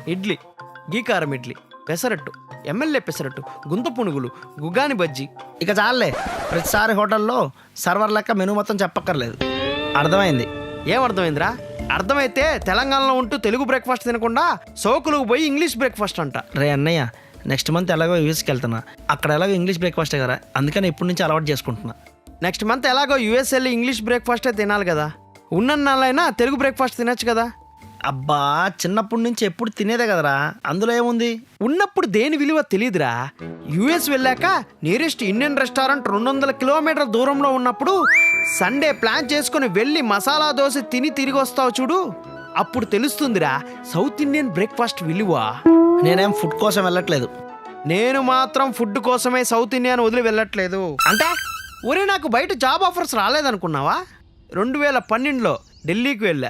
ఇడ్లీ, గీకారం ఇడ్లీ, పెసరట్టు, ఎమ్మెల్యే పెసరట్టు, గుంత పునుగులు, గుగాని బజ్జీ. ఇక చాలే, ప్రతిసారి హోటల్లో సర్వర్ లెక్క మెనూ మొత్తం చెప్పక్కర్లేదు. అర్థమైంది. ఏం అర్థమైందిరా? అర్థమైతే తెలంగాణలో ఉంటూ తెలుగు బ్రేక్ఫాస్ట్ తినకుండా సోకులకు పోయి ఇంగ్లీష్ బ్రేక్ఫాస్ట్ అంట. రే అన్నయ్య, నెక్స్ట్ మంత్ ఎలాగో యూఎస్కి వెళ్తున్నా. అక్కడ ఎలాగో ఇంగ్లీష్ బ్రేక్ఫాస్టే కదా, అందుకని ఇప్పటి నుంచి అలవాటు చేసుకుంటున్నా. నెక్స్ట్ మంత్ ఎలాగో యూఎస్ వెళ్ళి ఇంగ్లీష్ బ్రేక్ఫాస్టే తినాలి కదా, ఉన్నన్నాళ్ళైనా తెలుగు బ్రేక్ఫాస్ట్ తినచ్చు కదా. అబ్బా, చిన్నప్పటి నుంచి ఎప్పుడు తినేదే కదరా, అందులో ఏముంది? ఉన్నప్పుడు దేని విలువ తెలియదురా. యూఎస్ వెళ్ళాక నియరెస్ట్ ఇండియన్ రెస్టారెంట్ 200 కిలోమీటర్ల దూరంలో ఉన్నప్పుడు సండే ప్లాన్ చేసుకుని వెళ్ళి మసాలా దోశ తిని తిరిగి వస్తావు చూడు, అప్పుడు తెలుస్తుందిరా సౌత్ ఇండియన్ బ్రేక్ఫాస్ట్ విలువ. నేనేం ఫుడ్ కోసం వెళ్ళట్లేదు. నేను మాత్రం ఫుడ్ కోసమే సౌత్ ఇండియన్ వదిలి వెళ్ళట్లేదు. అంటే ఒరే, నాకు బయట జాబ్ ఆఫర్స్ రాలేదనుకున్నావా? 2012లో ఢిల్లీకి వెళ్ళా.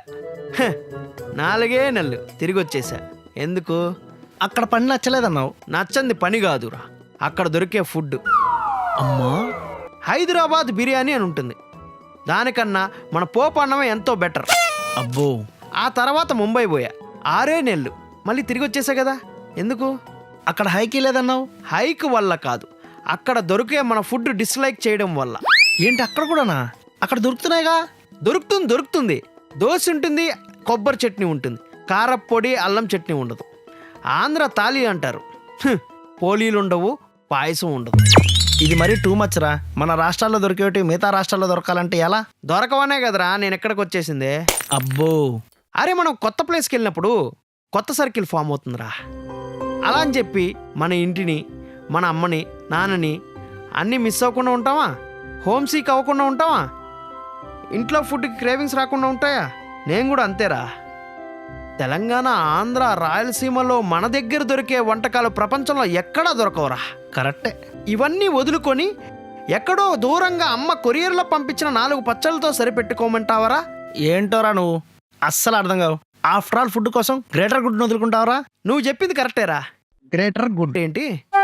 4 నెలలు తిరిగి వచ్చేసా. ఎందుకు? అక్కడ పని నచ్చలేదన్నావు. నచ్చంది పని కాదురా, అక్కడ దొరికే ఫుడ్. అమ్మా, హైదరాబాద్ బిర్యానీ అని ఉంటుంది, దానికన్నా మన పోపు అన్నమే ఎంతో బెటర్. అబ్బో. ఆ తర్వాత ముంబై పోయా, 6 నెలలు, మళ్ళీ తిరిగి వచ్చేసా కదా. ఎందుకు? అక్కడ హైకి లేదన్నావు. హైక్ వల్ల కాదు, అక్కడ దొరికే మన ఫుడ్ డిస్లైక్ చేయడం వల్ల. ఏంటి, అక్కడ కూడానా? అక్కడ దొరుకుతున్నాయిగా. దొరుకుతుంది. దోశ ఉంటుంది, కొబ్బరి చట్నీ ఉంటుంది, కారప్పొడి, అల్లం చట్నీ ఉండదు. ఆంధ్ర తాళి అంటారు, పోలీలు ఉండవు, పాయసం ఉండదు. ఇది మరీ టూ మచ్ రా. మన రాష్ట్రాల్లో దొరికేటి మిగతా రాష్ట్రాల్లో దొరకాలంటే ఎలా? దొరకవనే కదరా నేను ఎక్కడికి వచ్చేసిందే. అబ్బో. అరే, మనం కొత్త ప్లేస్కి వెళ్ళినప్పుడు కొత్త సర్కిల్ ఫామ్ అవుతుందిరా. అలా అని చెప్పి మన ఇంటిని, మన అమ్మని, నాన్నని అన్నీ మిస్ అవ్వకుండా ఉంటావా? హోమ్ సీక్ అవ్వకుండా ఉంటావా? ఇంట్లో ఫుడ్కి క్రేవింగ్స్ రాకుండా ఉంటాయా? నేను కూడా అంతేరా. తెలంగాణ, ఆంధ్ర, రాయలసీమలో మన దగ్గర దొరికే వంటకాలు ప్రపంచంలో ఎక్కడా దొరకవురా. కరెక్టే. ఇవన్నీ వదులుకొని ఎక్కడో దూరంగా అమ్మ కొరియర్లో పంపించిన 4 పచ్చళ్ళతో సరిపెట్టుకోమంటావరా? ఏంటోరా నువ్వు, అస్సలు అర్థం కావు. ఆఫ్టర్ ఆల్ ఫుడ్ కోసం గ్రేటర్ గుడ్ వదులుకుంటావరా? నువ్వు చెప్పింది కరెక్టేరా. గ్రేటర్ గుడ్ ఏంటి?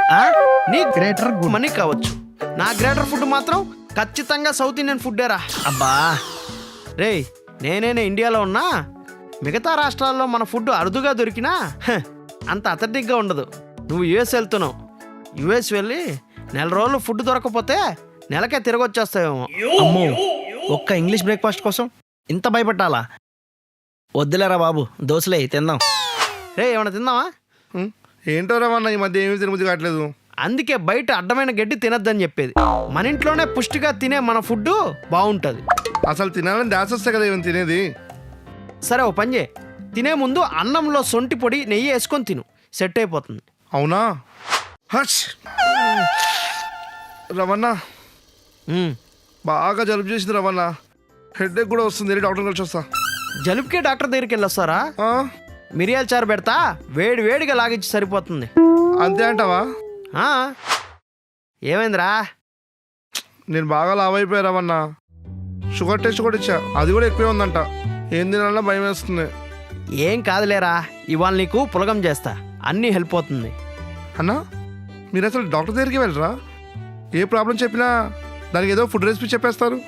నీ గ్రేటర్ గుడ్ మనీ కావచ్చు, నా గ్రేటర్ ఫుడ్ మాత్రం ఖచ్చితంగా సౌత్ ఇండియన్ ఫుడ్డేరా. అబ్బా రేయ్, నేనే ఇండియాలో ఉన్నా మిగతా రాష్ట్రాల్లో మన ఫుడ్ అరుదుగా దొరికినా అంత అథెంటిక్గా ఉండదు. నువ్వు యుఎస్ వెళ్తున్నావు, యుఎస్ వెళ్ళి 4 రోజులు ఫుడ్ దొరకకపోతే నెలకే తిరిగి వచ్చేస్తావేమో. అమ్మో, ఒక్క ఇంగ్లీష్ బ్రేక్ఫాస్ట్ కోసం ఇంత భయపట్టాలా? వద్దులేరా బాబు, దోశలే తిందాం. రే, ఏమన్నా తిందామా? ఏంటో రావన్న, ఈ మధ్య ఏమీ తినబుద్ధి కావట్లేదు. అందుకే బయట అడ్డమైన గడ్డి తినద్దని చెప్పేది. మన ఇంట్లోనే పుష్టిగా తినే మన ఫుడ్ బాగుంటుంది. అసలు తినాలని డాన్స్ వస్తే కదా ఏమైనా తినేది. సరే, ఓ పని చేయి, తినే ముందు అన్నంలో సొంటి పొడి, నెయ్యి వేసుకొని తిను, సెట్ అయిపోతుంది. అవునా? హచ్ రవణ, బాగా జలుబు చేసింది రవణ. హెడేక్ కూడా వస్తుంది, డాక్టర్ కలిసి వస్తా. జలుబుకే డాక్టర్ దగ్గరికి వెళ్ళొస్తారా? మిరియాల చారు పెడతా, వేడిగా లాగించి సరిపోతుంది. అంతే అంటావా? ఏమైందిరా? నేను బాగా లావ్ అయిపోయా రవణ. షుగర్ టెస్ట్ కూడా ఇచ్చా, అది కూడా ఎక్కువే ఉందంట. ఏం తినాలన్నా భయం వేస్తుంది. ఏం కాదులేరా, ఇవాళ నీకు పులగం చేస్తా, అన్నీ హెల్ప్ అవుతుంది. అన్నా, మీరు అసలు డాక్టర్ దగ్గరికి వెళ్ళరా? ఏ ప్రాబ్లం చెప్పినా దానికి ఏదో ఫుడ్ రెసిపీ చెప్పేస్తారు.